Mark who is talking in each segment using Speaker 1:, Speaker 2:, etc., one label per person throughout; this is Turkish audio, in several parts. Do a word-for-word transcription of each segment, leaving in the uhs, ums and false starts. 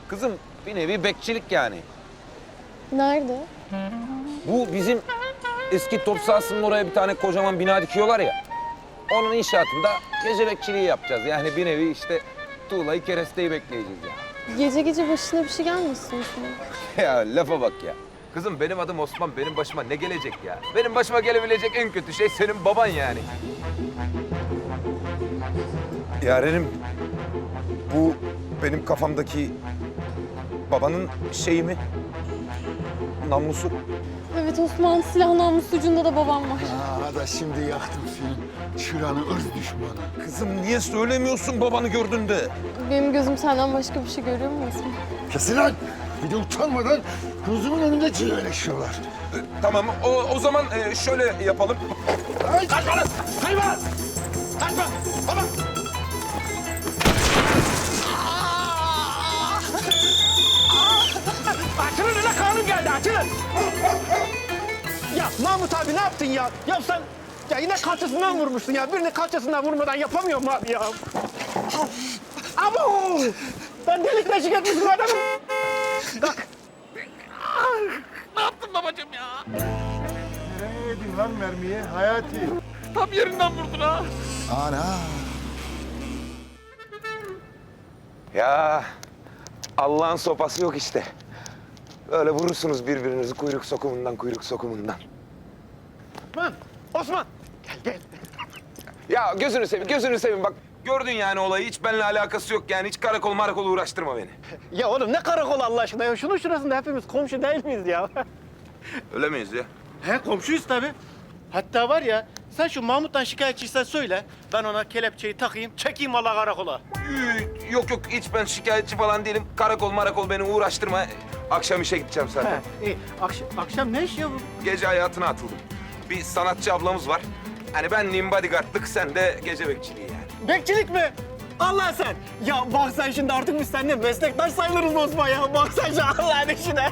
Speaker 1: Kızım bir nevi bekçilik yani.
Speaker 2: Nerede?
Speaker 1: Bu bizim eski top sahasının oraya bir tane kocaman bina dikiyorlar ya. Onun inşaatında gece bekçiliği yapacağız. Yani bir nevi işte tuğlayı keresteyi bekleyeceğiz ya.
Speaker 2: Gece gece başına bir şey gelmesin şimdi.
Speaker 1: Ya lafa bak ya. Kızım benim adım Osman, benim başıma ne gelecek ya? Benim başıma gelebilecek en kötü şey senin baban yani. Yarenim, bu benim kafamdaki babanın şeyi mi? Namlusu.
Speaker 2: Evet Osman, silah namus ucunda da babam var.
Speaker 3: Aa da şimdi yaktım seni. Şuranın ırz düşmanı.
Speaker 1: Kızım niye söylemiyorsun babanı gördüğünde?
Speaker 2: Benim gözüm senden başka bir şey görüyor mu Osman?
Speaker 3: Kesin lan! Bir de utanmadan gözümün önünde cilveleşiyorlar.
Speaker 1: Tamam, o, o zaman e, şöyle yapalım.
Speaker 3: Ay! Kaçma lan! Kaçma! Kaçma! Baba!
Speaker 4: Açılın öyle kanun geldi, açılın. Ya Mahmut abi ne yaptın ya? Ya sen ya yine kalçasından vurmuşsun ya. Birini kalçasından vurmadan yapamıyorum abi ya. Abo! Ben delik deşik etmişim adamı. Kalk. Ne yaptın babacığım ya?
Speaker 3: Nereye yedin lan mermiyi Hayati?
Speaker 4: Tam yerinden vurdun ha.
Speaker 3: Ana!
Speaker 1: Ya Allah'ın sopası yok işte. Böyle vurursunuz birbirinizi kuyruk sokumundan kuyruk sokumundan.
Speaker 4: Osman, Osman. Gel gel.
Speaker 1: Ya gözünü seveyim, gözünü seveyim bak. Gördün yani olayı, hiç benimle alakası yok yani. Hiç karakol marakol uğraştırma beni.
Speaker 4: Ya oğlum ne karakol Allah aşkına ya. Şunun şurasında hepimiz komşu değil miyiz ya?
Speaker 1: Öyle miyiz ya?
Speaker 5: He komşuyuz tabii. Hatta var ya sen şu Mahmut'tan şikayetçiysen söyle. Ben ona kelepçeyi takayım, çekeyim valla karakola.
Speaker 1: Ee, Yok yok, hiç ben şikayetçi falan değilim. Karakol marakol beni uğraştırma. Akşam işe gideceğim zaten.
Speaker 5: He, iyi. Akşam, akşam ne iş ya bu?
Speaker 1: Gece hayatına atıldım. Bir sanatçı ablamız var. Hani benliğim bodyguardlık, sen de gece bekçiliği yani.
Speaker 4: Bekçilik mi? Allah sen. Ya bak sen şimdi artık biz seninle meslektaş sayılırız Osman ya. Bak sen şu Allah'ın işine.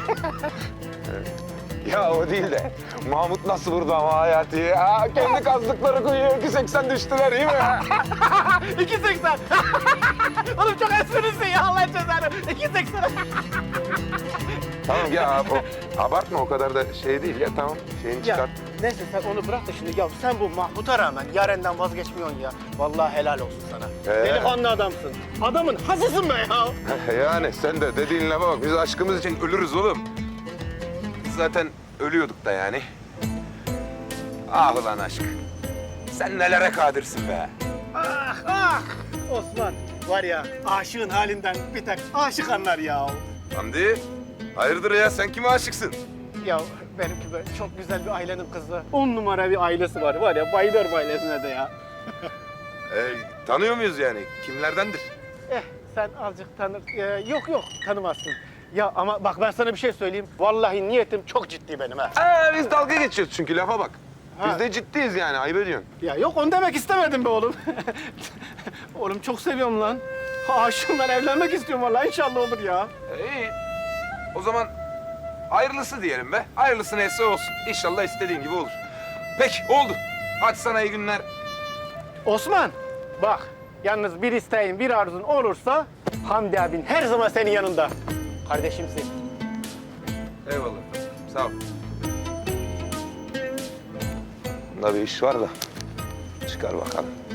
Speaker 1: Ya o değil de Mahmut nasıl vurdu ama Hayati ya? Kendi kazdıkları kuyuya iki seksen düştüler iyi mi?
Speaker 4: iki seksen. Oğlum çok esprilisin ya Allah cezanı. iki seksen.
Speaker 1: Tamam ya o, abartma, o kadar da şey değil ya, tamam şeyini
Speaker 5: Ya
Speaker 1: çıkart.
Speaker 5: neyse sen onu bırak da şimdi ya sen bu Mahmut'a rağmen Yaren'den vazgeçmiyorsun ya. Vallahi helal olsun sana.
Speaker 1: Ee?
Speaker 5: Delikanlı adamsın. Adamın hasısın be ya.
Speaker 1: Yani sen de dediğin lafa bak, biz aşkımız için ölürüz oğlum. Zaten ölüyorduk da yani. Ah ulan aşk. Sen nelere kadirsin be.
Speaker 5: Ah ah. Osman var ya aşığın halinden bir tek aşık anlar ya.
Speaker 1: Hamdi, hayırdır ya, sen kime aşıksın?
Speaker 5: Ya benimki böyle çok güzel bir ailenin kızı. On numara bir ailesi var. Var ya bayılırım ailesine de ya.
Speaker 1: Ee, tanıyor muyuz yani? Kimlerdendir?
Speaker 5: Eh sen azıcık tanır. Ee, yok yok tanımazsın. Ya ama bak ben sana bir şey söyleyeyim. Vallahi niyetim çok ciddi benim ha.
Speaker 1: Ee, biz dalga geçiyoruz çünkü, lafa bak.
Speaker 5: Ha.
Speaker 1: Biz de ciddiyiz yani, ayıp ediyorsun.
Speaker 5: Ya yok onu demek istemedim be oğlum. Oğlum çok seviyorum lan. Aşığım lan evlenmek istiyorum vallahi inşallah olur ya.
Speaker 1: Ee, iyi. O zaman hayırlısı diyelim be. Hayırlısı neyse olsun. İnşallah istediğin gibi olur. Peki, oldu. Hadi sana iyi günler.
Speaker 5: Osman bak yalnız bir isteğin bir arzun olursa Hamdi abin her zaman senin yanında. Kardeşimsin.
Speaker 1: Eyvallah. Sağ ol. Bunda bir iş var da çıkar bakalım.